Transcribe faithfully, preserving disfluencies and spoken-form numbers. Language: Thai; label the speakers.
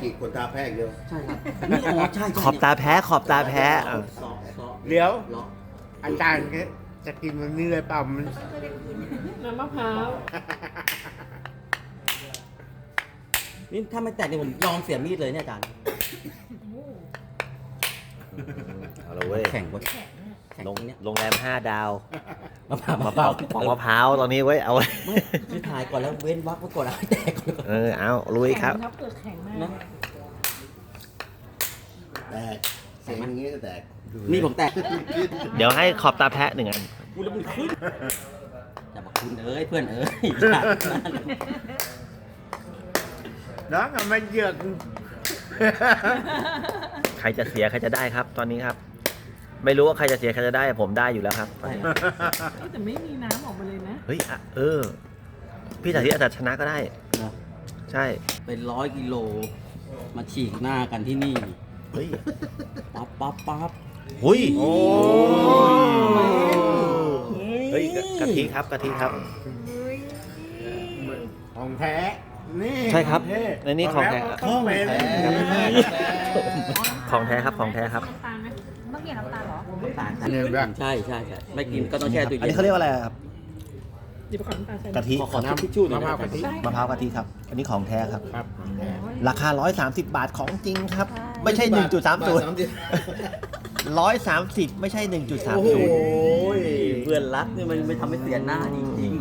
Speaker 1: ขีดคนตาแพร่เดียว
Speaker 2: ใช่ครับนี่อ๋อใช่ใช่
Speaker 3: ขอบตาแพ้ขอบตาแพ้
Speaker 2: ซ
Speaker 3: เอ
Speaker 2: อ
Speaker 3: อ
Speaker 2: ซอซอ
Speaker 4: เดี๋ยว
Speaker 2: เลาะ
Speaker 4: อาจารย์จะกินมันนี่เลยเปล่ามัน
Speaker 5: น้ำมะพร้าว
Speaker 2: นี่ถ้าไม่แตกเนี่ยผมยอมเสียมีดเลยเนี่ยอาจารย์
Speaker 3: เอาละเว้ย
Speaker 2: แข่งวะแข่ง
Speaker 3: โรง
Speaker 2: เนี่ย
Speaker 3: โรงแรมห้าดาว
Speaker 2: มะพร้าว
Speaker 3: มะพร้าวของมะพร้าวตอนนี้เว้ยเอา
Speaker 2: ไม่คือถ่ายก่อนแล้วเว้นวักไว้ก่อนแล้วให้แตกก่อน
Speaker 3: เออเอาลุยครับ
Speaker 5: แข็งเปลือกแข็งมาก
Speaker 2: นะ
Speaker 1: แตกเสียงอย่างนี้ก็แตก
Speaker 2: นี่ผมแตก
Speaker 3: เดี๋ยวให้ขอบตาแพ้หนึ่งอัน
Speaker 2: กูแล้วมันขึ้นอย่าบอกคุณเอ้ยเพื่อนเอ้ย
Speaker 4: น้องอะมันเหยือก
Speaker 3: ใครจะเสียใครจะได้ครับ ตอนนี้ครับ ไม่รู้ว่าใครจะเสียใครจะได้ผมได้อยู่แล้วครับตอนนี้
Speaker 5: แต่ไม่มีน้ำออกมาเลยนะ
Speaker 3: เฮ้ยอ่ะเออ พี่สาธิตอาจจะชนะก็ได้
Speaker 2: นะ
Speaker 3: ใช่
Speaker 2: เป็นร้อยกิโลมาฉีกหน้ากันที่นี่
Speaker 3: เฮ้ย
Speaker 2: ปั๊บปั๊บปั๊บ
Speaker 3: หุย
Speaker 4: โอ้
Speaker 3: เฮ้ยกะทิครับกะทิครับ
Speaker 4: ของแท้นี่
Speaker 3: ใช่ครับ
Speaker 4: ของแท้
Speaker 3: ในนี้ของแท้
Speaker 4: ต้องเป็น
Speaker 3: ของแท้ครับของแท้ครับ
Speaker 5: น้ำตาลไหมเมื่อกี้น้ำตาลเหรอ
Speaker 2: ตาล
Speaker 4: เนี่ยแบบ
Speaker 2: ใช่ใช่ใช่ไม่กินก็ต้องแช่ตู้เย็น
Speaker 3: อันนี้เขาเรียกว่าอะไรครับ
Speaker 5: หยิบไปขอน้ำตาลใส่
Speaker 3: กะทิ
Speaker 2: ขอขอทิชชู่หน่อย
Speaker 4: มะพร้าว
Speaker 2: นะ
Speaker 4: กะทิ
Speaker 3: มะพร้าวกะทิครับ อันนี้ของแท้ครับ
Speaker 4: ครับ
Speaker 3: ราคา ร้อยสามสิบบาทของจริงครับ ไม่ใช่ หนึ่งจุดสามศูนย์ ร้อยสามสิบไม่ใช่ หนึ่งจุดสาม
Speaker 2: โอ้โห
Speaker 3: ศูนย์
Speaker 2: เพื่อนรักเนี่ยมันไม่ทำให้เสียหน้าจริง